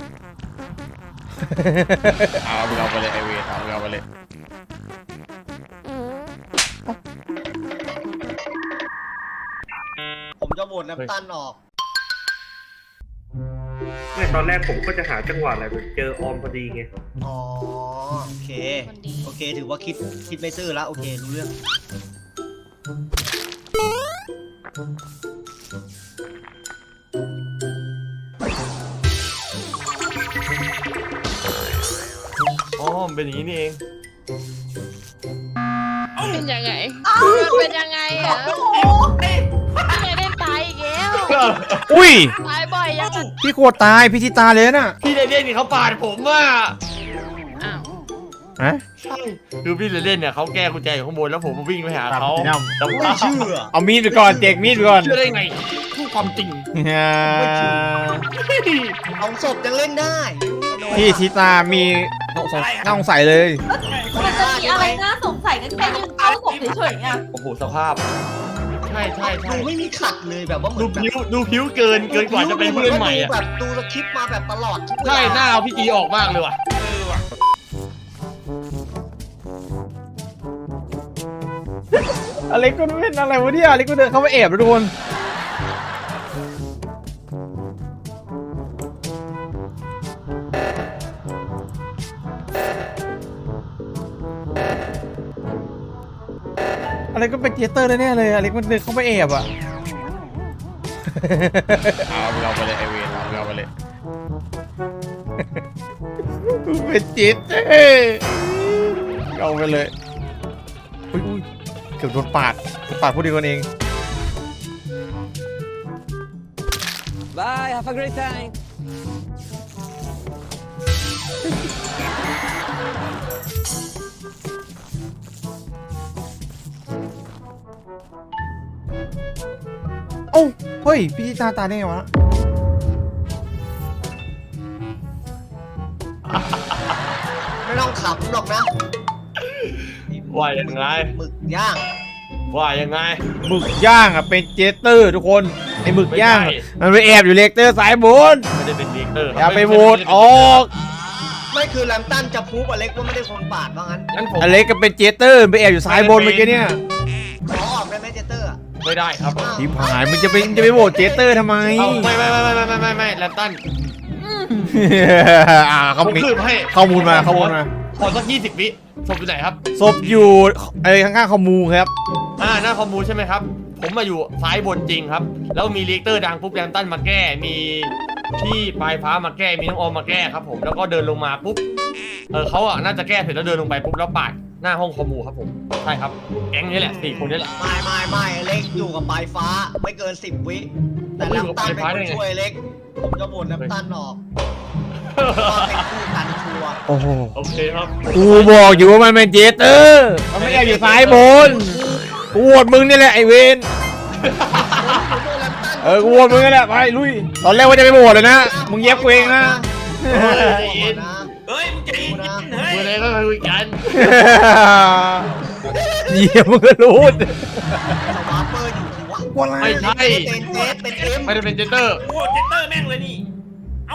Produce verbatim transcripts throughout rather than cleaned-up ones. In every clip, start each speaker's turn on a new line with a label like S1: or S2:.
S1: เอาเราไปเลยไอเวทเอาเราไปเลย
S2: ผมจะโหวตน้ำตาลออก
S3: ไม่ตอนแรกผมก็จะหาจังหวะอะไรแบบเจอออมพอดีไง
S2: อ๋อโอเคโอเคถือว่าคิดคิดไม่ซื่อแล้วโอเครู้เรื่อง
S1: อ๋อเป็นอย่างนี้นี่เอง
S4: เป็นยังไงเป็นยังไงอ่ะไม่ได้ตายอีกแล้ว
S5: อุ้ย
S4: ตายบ่อยยัง
S5: พี่โคตรตายพี่ทิตาเลยน่ะ
S1: พี่เล่นๆนี่เขาปาดผมอ่ะ
S4: อ้าว
S5: ฮะ
S1: ใช่คือพี่เล่นๆเนี่ยเขาแก้กุญแจอยู่ข้างบนแล้วผมวิ่งไปหาเขาแต่
S2: ไม่เชื่อ
S5: เอามีดไปก่อนเด็กมีดไปก่อน
S1: เชื่อได้ไงพูดความจริง
S2: เอาศพยังเล่นได้
S5: พี่ทิตามีน่าสงสัยเลย
S6: มันจะมีอะไรน่าสงสัยกันแค่ยืนเข้าศพเฉยๆอ่ะ
S1: โอ้โหสภาพใช่ใช่ใช่
S2: ดูไม่มีขัดเลยแบบว่าเหมื
S1: ดู
S2: อน
S1: ผิวดูผิวเกินเกินกว่าจะเป็นเพื่อนใหม่อ่ะ
S2: แบบดูสคริปต์มาแบบตลอดทุกเวลา
S1: ใช่หน้าเอาพี่จีออกมากเลยว่ะ
S5: อะไรก็เป็นอะไรวะเนี่ยอะไรก็เดินเข้ามาแอบแล้วทุกคนอะไรก็เป็นเจเตอร์แน่ๆเลยอะไรก็เดินเข้ามาแอบอ่ะ
S1: เอาเราไปเลยไอเวทเอาเราไปเลย
S5: เป็นเจเตอร์เอาไปเลยอุ้ยเกือบโดนปาดปาดผู้ดีกันเอง
S7: Bye have a great time
S5: โอ้เฮ้ยพี่ตาตาได้ไงวะ
S2: ไม่ต้องขับหรอกนะ
S1: ว่ายังไง
S2: หมึกย่าง
S1: ว่ายังไง
S5: หมึกย่างอ่ะเป็นเจเตอร์ทุกคนไอหมึกย่างมันไปแอบอยู่เลกเตอร์สายบน
S1: ไม่ได้เป็นเลกเตอร์
S5: อย่าไปโหวตออก
S2: ไม่คือแลมตันจะพูบอเล็กว่าไม่ได้คนปาดว่างั้น
S1: งั้นผม
S5: อเล็กก็เป็นเจเตอร์ไปแอบอยู่สายบนเมื่อกี้เนี่ย
S2: ขอออกได้ไหมเจเตอร์
S1: ไม่ได้ครับ
S5: ที่ผ่านมึงจะไปจะไปโหวตเจเตอร์ทำไม
S1: ไม่ไม่ไม่ไม่ไม่ไม่ไม่แลมตัน
S5: อ่าเขา
S1: คืบให้
S5: ข้อมูลมาข้อมูลมา
S1: ขอสักยี่สิบวิศพอยู่ไหนครับ
S5: ศพอยู่ไอ้ข้างๆคอมมูครับ
S1: อ่าหน้าคอมมูใช่ไหมครับผมมาอยู่ซ้ายบนจริงครับแล้วมีเลกเตอร์ดังปุ๊บแลมตันมาแก้มีพี่ปลายฟ้ามาแก้มีน้องออมมาแก้ครับผมแล้วก็เดินลงมาปุ๊บเออเขาอ่ะน่าจะแก้เสร็จแล้วเดินลงไปปุ๊บแล้วปาดหน้าห้องคอมมูครับผมใช่ครับแก๊งนี้แหละสี่คนนี้แหละ
S2: ไม่ไม่ไม่เล็กอยู่กับปลายฟ้าไม่เกินสิบวิแต่แลมตันเป็นคนช่วยเล็กผมจะโหวตแลมตันออกว่าเป็นคู่กันชัวร์
S5: โอ้โห
S1: โอเคครับ
S5: กูบอกอยู่ว่ามันเป็นเจเตอร์มันไม่ได้อยู่ซ้ายบนกูโหวตมึงนี่แหละไอเวนเออกูโหวตมึงนี่แหละไปลุยตอนแรกว่าจะไปโหวตเลยนะมึงเย็บกูเองนะ
S1: เฮ้ยมึงใจเย็นเฮ้ยอะไรก็คุยกัน
S5: เยี่ยมมึงก็รู้
S2: สวาเปอร์อยู่ที่วะ
S1: ไม่ใช่
S2: เป็นเจเป็นเอ็ม
S1: ไม่ได้เป็นเจเตอร์
S3: โอ้เจเตอร์แม่งเลยนี่เอ้า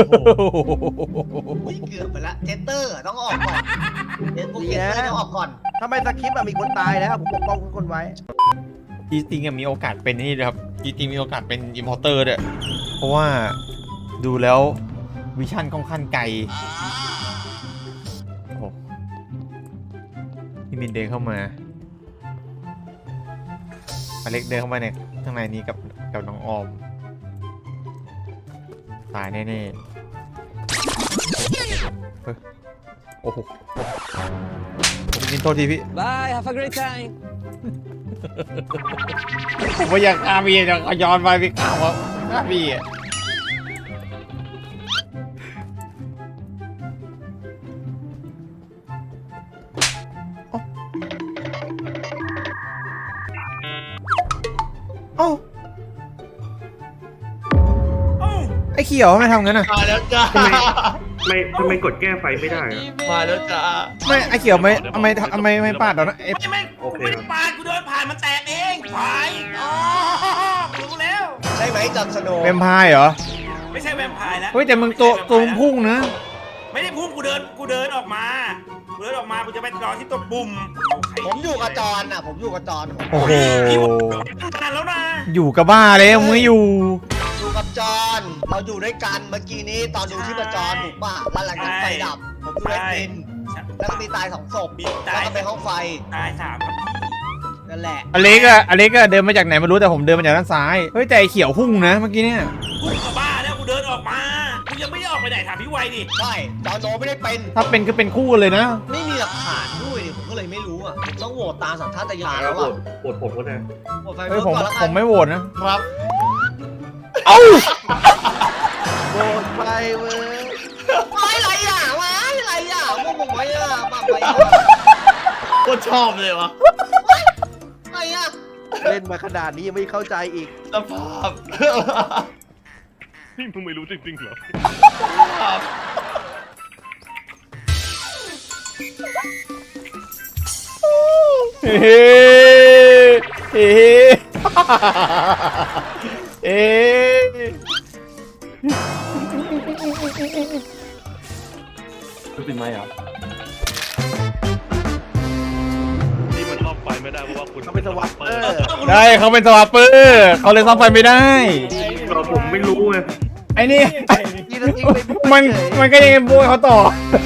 S2: เกือบไปละเจเตอร์ต้องออกก่อนเจเตอร์ต้องออกก่อน
S8: ทำไมสคริปต์มีคนตายแล้วผมปกป้องทุกคนไว้
S5: จีติงมีโอกาสเป็นนี่เลยครับจีติงมีโอกาสเป็นอิมพอร์เตอร์ด้วยเพราะว่าดูแล้ววิชั่นค่อนข้างไกลโอ้โหพี่มินเดินเข้ามาอเล็กเดินเข้ามาในข้างในนี้กับกับน้องออมตายแน่ๆเฮ้ยโอ้โหผมกินโทษทีพี่
S7: Bye have a great time
S5: ผมว่าอยากฆ่าพี่อยากย้อนไปพี่ฆ่าว่าฆ่าพี่อ่ะเอ้าไอ้เขียวไม่ทำงั้นอ่ะ
S1: มาแล้วจ้า
S3: ไม่ทำไมกดแก้ไฟไม่ได้
S1: มาแล้วจ้า
S5: ไม่ไอ้เขียวไม่ทำไมทำไมไม่ปาดเรานะ
S3: ไม่ไม่กูไม่ได้ปาดกูเดินผ่านมันแตกเองไฟอ๋อรู้แล้ว
S2: ใช่ไหมจัดสโนว์
S5: เป็นพายเหรอ
S9: ไม่ใช่แวมไพร์แล้ว
S5: เฮ้ยแต่มึงตัวตัวมึงพุ่งนะ
S9: ไม่ได้พุ่งกูเดินกูเดินออกมากูเดินออกมากูจะไปรอที่ตัวปุ่ม
S2: ผมอยู่กับจอนอ่ะ ผมอยู่กับจอนผม
S5: โอ้โห
S9: พี่ว่าขนาดแล้วนะ
S5: อยู่กับบ้าแล้วมึงไม่อยู่
S2: อยู่กับจอนเราอยู่ด้วยกันเมื่อกี้นี้ตอนดูที่ประจรถูกป่ะแล้วหลังจากไฟดับ ผมดูไอ้ปินแล้วก็มีตายสองศพแล้วก็ไปห้องไฟ
S9: ตายสามครับ
S2: นั่นแหละ
S5: อเล็กอะอเล็กอะเดินมาจากไหนไม่รู้แต่ผมเดินมาจากด้านซ้ายเฮ้ยแต่ไอ้เขียวพุ่งนะเมื่อกี้เนี่ย
S9: กูกับบ้าแล้วกูเดินออกมากูยังไม่ได้ออกไปไหนถามพี่ไวดิ
S2: ใช่จอนโนไม่ได้เป็น
S5: ถ้าเป็นก็เป็นคู่กันเลยนะ
S2: ไม่มีหลักฐานด้วยดิผมก็เลยไม่รู้อ่ะผมต้องโหวตตามสัญชาตญาณ
S3: แล้
S2: แล้ว ว
S3: โหว
S2: อ่ะ
S3: ตโหวตผมก็ได้
S2: โหวตไฟ
S5: เฮ้
S2: เฟิ
S5: ย
S2: ร์ส
S5: ผม
S2: ก่อนแล้วกั
S5: ผ
S2: น
S5: มไม่โหวตนะ
S1: ครับ
S5: เอ้า
S8: โบนไปเว้ย
S2: ไม่ไรอ่ะวะอะไรอ่ะพวกผมไว้อ่ะบ้าไปอ่ะ
S1: โคตรชอบเลยวะ
S2: อะไรอ่ะ
S8: เล่นมาขนาดนี้ยังไม่เข้าใจอีก
S1: สภาพ
S3: นี่มึงไม่รู้จริงๆเหรอ
S5: เฮ้เฮ้เฮ้
S1: เป็นไหมอ่ะ
S3: นี่มันซ่อมไฟไม่ได้เพราะว่าคุณ
S8: เขาเป็นสวัสดิ์เออ
S5: ได้เขาเป็นสวาปเปอร์เขาเลยซ่อมไฟไม่ได้
S3: เราผมไม่รู้ไง
S5: ไอ้นี่
S8: นี่เราทิ้งไปพูด
S5: มัน
S8: เฉย
S5: มันก็ยังโบยเขาต่อ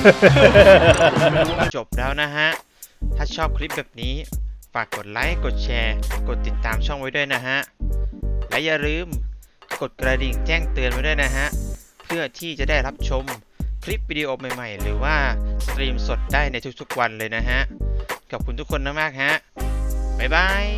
S10: จบแล้วนะฮะ ถ้าชอบคลิปแบบนี้ ฝากกดไลค์ กดแชร์ กดติดตามช่องไว้ด้วยนะฮะ และอย่าลืมกดกระดิ่งแจ้งเตือนไว้ด้วยนะฮะ เพื่อที่จะได้รับชมคลิปวิดีโอใหม่ๆ หรือว่าสตรีมสดได้ในทุกๆวันเลยนะฮะ ขอบคุณทุกคนมากๆฮะ บ๊ายบาย